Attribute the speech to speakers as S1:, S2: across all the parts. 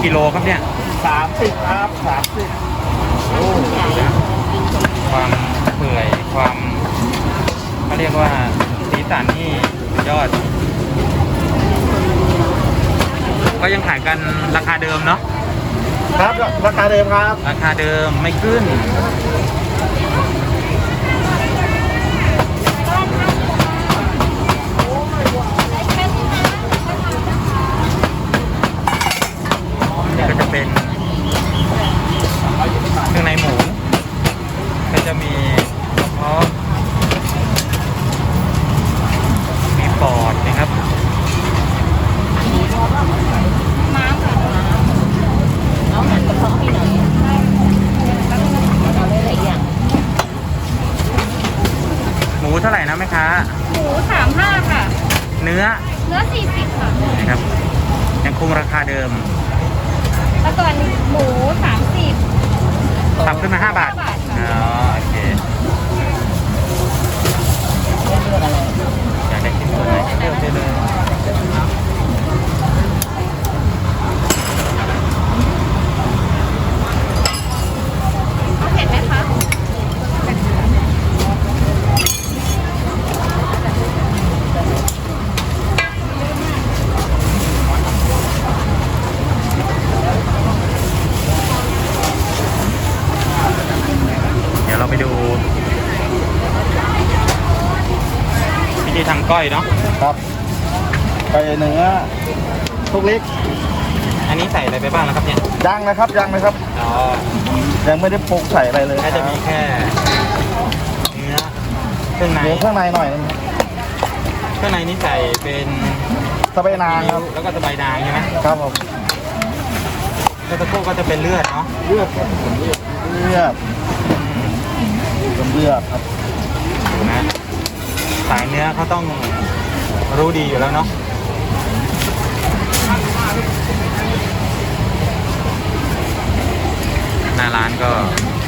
S1: กิโลครับเนี่ย
S2: 30ครับ30
S1: โอ้นะความเปื่อยความเขาเรียกว่าสีสันนี่สุดยอด ก็ยังขายกันราคาเดิมเนาะ
S2: ครับราคาเดิมครับ
S1: ราคาเดิมไม่ขึ้น ก็จะเป็นเครื่องในหมูก็จะมีกระเพาะมีปอดนะครับ
S3: ม้ามค่ะเอาหั่นกระเพาะให้หน่อยเอาได้หลายอย่าง
S1: หมูเท่าไหร่นะแม่ค้า
S3: หมู35ค่ะ
S1: เนื้อ
S3: เนื้อ40ค่ะ
S1: นะครับยังคงราคาเดิม
S3: แล้วก่อนหมู30
S1: ปรับขึ้นมา5 บาท
S3: 5 บาทค่ะ
S1: อ๋อโอเคอยากได้ชิ้นส่วนไหนก็เลือกได้เลย
S3: เอาเผ็ดไหมคะ
S1: เดี๋ยวเราไปดูวิธีทำก้อยเนาะ
S2: ครับไปเนื้อทุกเล็ก
S1: อันนี้ใส่อะไรไปบ้างนะครับเนี่ย
S2: ยังนะครับยังนะครับ
S1: อ๋อ
S2: ยังไม่ได้ปรุงใส่อะไรเลย
S1: น่าจะมีแค่เนื้อเครื่องใน
S2: เนื้อข้างในหน่อยนึง
S1: เครื่องในนี่ใส่เป็น
S2: สะเปนางครับ
S1: แล้วก็สบายนางใช่ไหม
S2: ครับผม
S1: แล้วตะโก้ก็จะเป็นเลือดเนาะ
S2: เลือดครับผมเลือดเป็นเลือดครับ
S1: ดูนะสายเนื้อเขาต้องรู้ดีอยู่แล้วเนาะหน้าร้านก็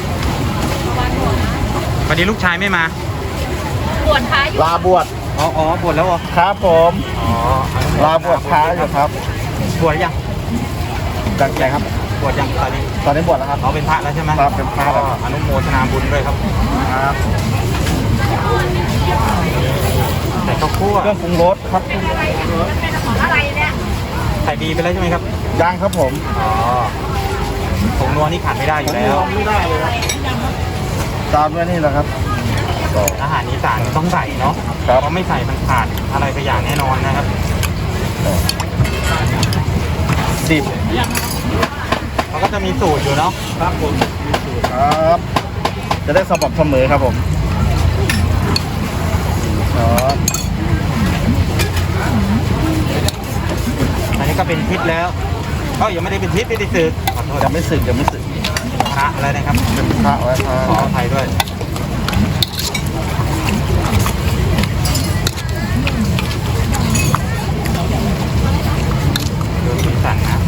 S1: วันนี้ลูกชายไม่มา
S3: ปวดท้ายอยู่
S2: ลาบวช
S1: อ๋อบวชแล้วเหรอ
S2: ครับผม
S1: อ๋อ
S2: ลาบวชพระอยู่ครับ
S1: บวชยัง
S2: จากไหนครับ
S1: บวชยังตอนนี้
S2: ตอนนี้บวชแล้วครับ
S1: เขาเป็นพระแล้วใช่ไหม
S2: ครับเป็นพระแล้ว
S1: ก็อนุโมทนาบุญด้วยครับ
S2: ครับ
S1: ใส่ข้าวคั่ว
S2: เครื่องปรุงรสครับ
S3: อะไรเนี่ย
S1: ใส่ดีไปแล้วใช่ไหมครับ
S2: ย่างครับผม
S1: อ๋อผงนัวนี่ขาดไม่ได้อยู่แล้ว
S2: ไม่ได้เลยครับตามด้วยนี่แหละครับ
S1: อาหารอีสานต้องใส่เนาะ
S2: ครับ
S1: เพราะไม่ใส่มันขาดอะไรไปอย่างแน่นอนนะครับ
S2: ดิบ
S1: เขาก็จะมีสูตรอยู่เนาะ
S2: ครับผมมีสูตรครับ จะได้สม่ำเสมอครับผมครับ
S1: อันนี้ก็เป็นทิศแล้วก็ยังไม่ได้เป็นทิศไม่ได้สึกขอโทษ
S2: จะไม่สึกจะไม่สึก
S1: พระแล้วนะครับ
S2: เป็นพระไว้พ
S1: ขอ
S2: ระ
S1: อภัยด้วยดูสีสันนะ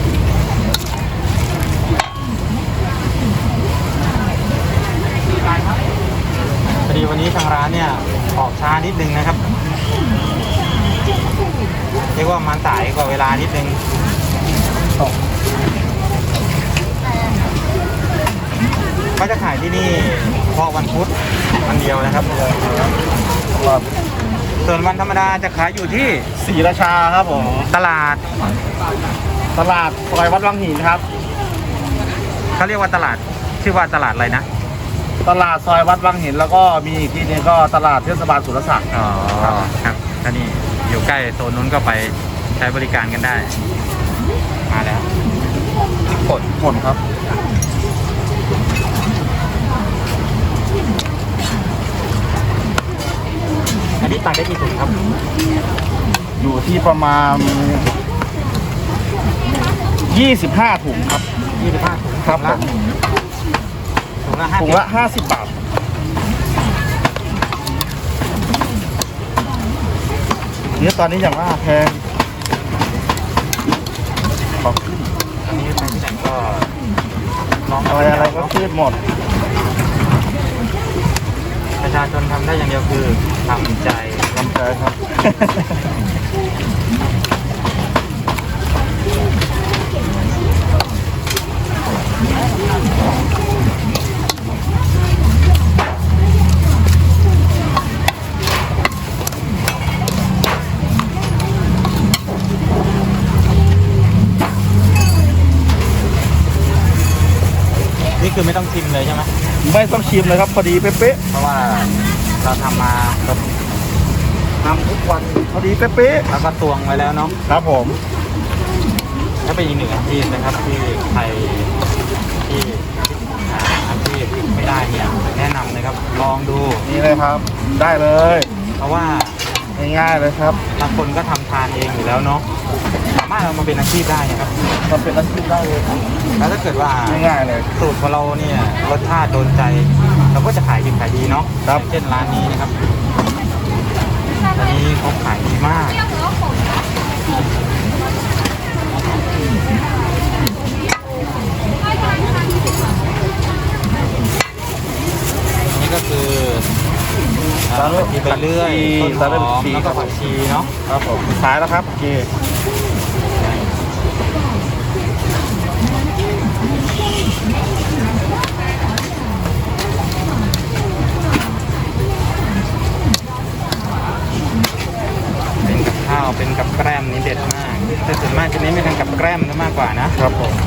S1: พอดีวันนี้ทางร้านเนี่ยออกช้านิดนึงนะครับเรียกว่ามันสายกว่าเวลานิดนึงก็จะขายที่นี่เพราะวันพุธวันเดียวนะครับ
S2: ครับ
S1: ส่วนวันธรรมดาจะขายอยู่ที่
S2: ศรีราชาครับผม
S1: ตลาด
S2: ตลาดซอยวัดวังหินครับ
S1: เขาเรียกว่าตลาดชื่อว่าตลาดอะไรนะ
S2: ตลาดซอยวัดวังหินแล้วก็มีอีกที่หนึงก็ตลาดเทศบาลสุรศักดิ์
S1: อ๋อครับอันนี้อยู่ใกล้โซนนู้นก็ไปใช้บริการกันได้ มาแล้วพริกป่น
S2: ผลครับ
S1: อันนี้ตักได้กี่ถุงครับ
S2: อยู่ที่ประมาณ 25 ถุงครับ
S1: 25ถุง
S2: ครับผม
S1: ถุงละ
S2: ถุงละ 50 บาท เนื้อตอนนี้อย่างว่าแพงขอขึ้น
S1: อันนี้ไปที่ไหนก็ลอง
S2: อะไรก็ขึ้นหมด
S1: ประชาชนทำได้อย่างเดียวคือทำใจ
S2: ลำใจครับ
S1: พนี่คือไม่ต้องชิมเลยใช่ไหม
S2: ไม่ต้องชิมเลยครับพอดีเป๊ะ
S1: เพราะว่าเราทำมาครับ
S2: ๆทำทุกวันพอดีเป๊ะ
S1: แล้วก็ตวงไว้แล้วเนาะ
S2: ๆครับผม
S1: ถ้าเป็นอีกหนึ่งอาชีพนะครับที่ใครที่อาชีพไม่ได้เนี่ยแนะนำเลยครับลองดู
S2: นี่เลยครับ ได้เลย
S1: เพราะว่า
S2: ง่ายๆเลยครับ
S1: บางคนก็ทำทานเองอยู่แล้วเนาะสามารถเอามาเป็นอาชีพได้นะครับ
S2: มันเป็นอาชีพได้เลยครับ
S1: แล้วถ้าเกิดว่า
S2: ง่ายๆเลย
S1: สูตรของเราเนี่ยรสชาติโดนใจ เราก็จะขายดีขายดีเนาะ
S2: ครับ
S1: เช่นร้านนี้นะครับอันนี้เขาขายดีมากนี่ก็คือผักชีไปเรื่อยต้นหอมแล้วก็ผักชีเนาะ
S2: ครับผมสุดท้ายแล้วครับโอเค
S1: เป็นกับข้าวเป็นกับแกล้มนี่เด็ดมากแต่ส่วนมากจะเน้นไปทางกับแกล้มซะมากกว่านะครับ
S2: ผม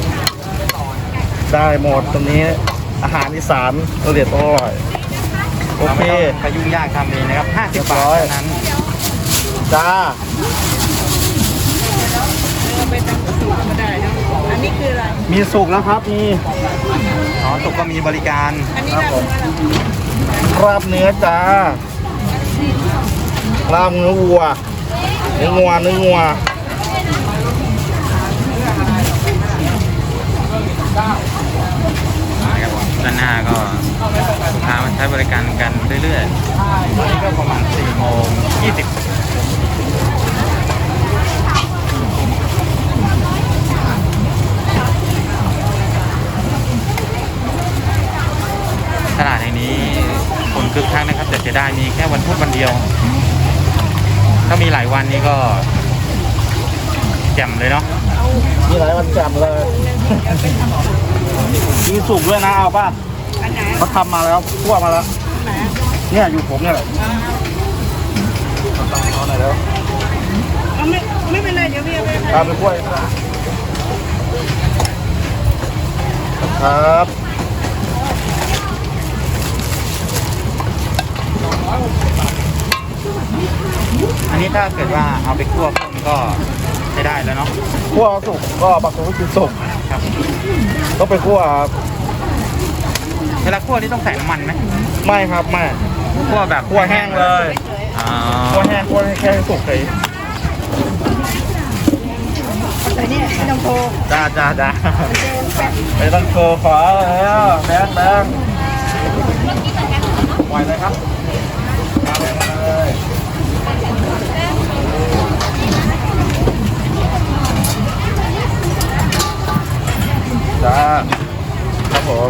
S2: ได้หมดตรงนี้อาหารอีสานละเอียดอร่อยโอ
S1: เรา
S2: เค
S1: ไม่ต้องไปยุ่งยากทำเองนะครับ50 บาทเท่านั้น
S2: จ้า
S3: เราไปทำกระสุนก็ได้นะอันนี้คืออะไร
S2: มีสุกแล้วครับมี
S1: อ๋อตกก็มีบริการ
S3: อันนี้
S2: ครับ
S3: เรา
S2: ผมราบเนื้อจ้าราบเนื้อวัวเนื้องัว
S1: นะครับด้านหน้าก็ลูกค้ามาใช้บริการกันเรื่อยๆตอนนี้ก็ประมาณ4:20ตลาดแห่งนี้คนคึกคักนะครับแต่จะได้มีแค่วันพุธวันเดียว ถ้ามีหลายวันนี้ก็แจ่มเลยเนาะ
S2: มีหลายวันแจ่มเลยมีสุกด้วยนะเอาป่ะ
S3: อันไหน
S2: เขาทำมาแล้วคั่วมาแล้ว
S3: ไหน
S2: เนี่ยอยู่ผมเนี่ยแหละเอาหน่อยแล้ว
S3: เอาไม่เป็นไรเดี๋ยวพี่เอาไปให้
S2: เอาไปคั่วครับ
S1: อันนี้ถ้าเกิดว่าเอาไปคั่วเพิ่มก็ใช้ได้แล้วเนาะ
S2: คั่วสุกก็บางคนก็กินสุก
S1: ครับ
S2: ต้องไปคั่วครับ
S1: เวลาคั่วนี่ต้องใส่น้ำมันไหม
S2: ไม่ครับไม่
S1: คั่วแบบ
S2: คั่วแห้งเลย
S1: อ๋อ
S2: คั่วแห้งคั่วให้แค่สุกเฉย
S3: แต่เนี่ยไม่ต้องโทร
S2: จ้าไม่ต้องโชว์ขอแล้วแบงปล่อยเลยครับเอาเลยจ้าครับผม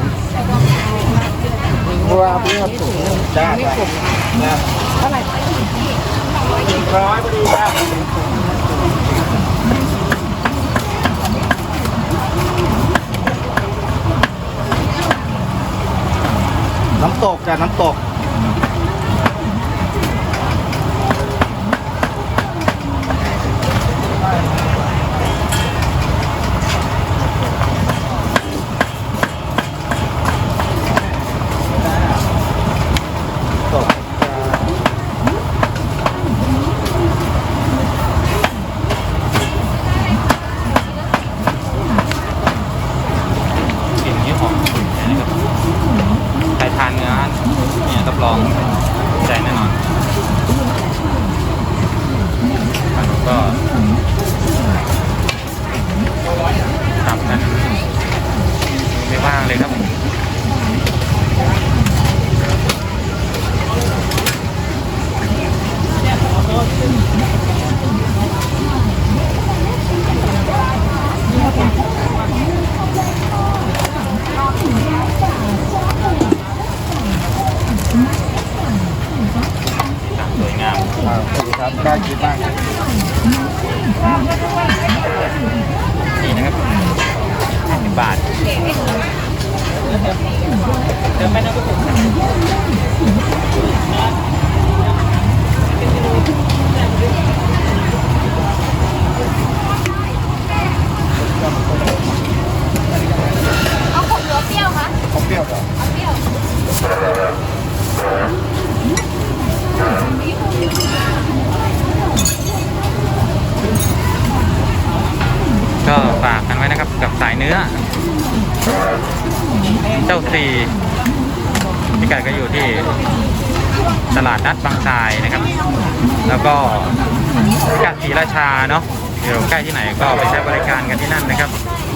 S2: ว่าเพื่อถุงจ้านะ
S3: เท่าไหร่
S2: 100พอดีจ้าน้ำตกจ้ะน้ำตกตก
S1: กลิ่นนี้หอมฉุนนะครับใครทานเนื้อเนี่ยรับรองใจแน่นอนก็ทำกันไม่ว่างเลยครับผมสวยงาม
S2: สวัสดีครับน่ากินมาก
S1: นี่นะครับ50 บาท
S3: เดี๋ยวไปนะ เอาขมหรือเปรี้ยวคะ
S2: ผมเปรี้ยวก่อน
S3: เอาเปรี้ยว
S1: ก็ฝากกันไว้นะครับกับสายเนื้อ เจ้าซีพิกัดก็อยู่ที่ตลาดนัดบางทรายนะครับ แล้วก็พิกัดศรีราชาเนาะอยู่ใกล้ที่ไหนก็ไปใช้บริการกันที่นั่นนะครับ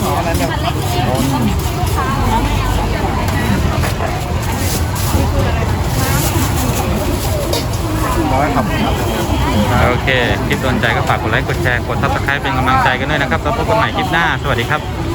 S2: ร้อยครับ
S1: โอเค คลิปโดนใจก็ฝากกดไลค์ กดแชร์ กด Subscribe เป็นกำลังใจกันด้วยนะครับ แล้วพบกันใหม่คลิปหน้า สวัสดีครับ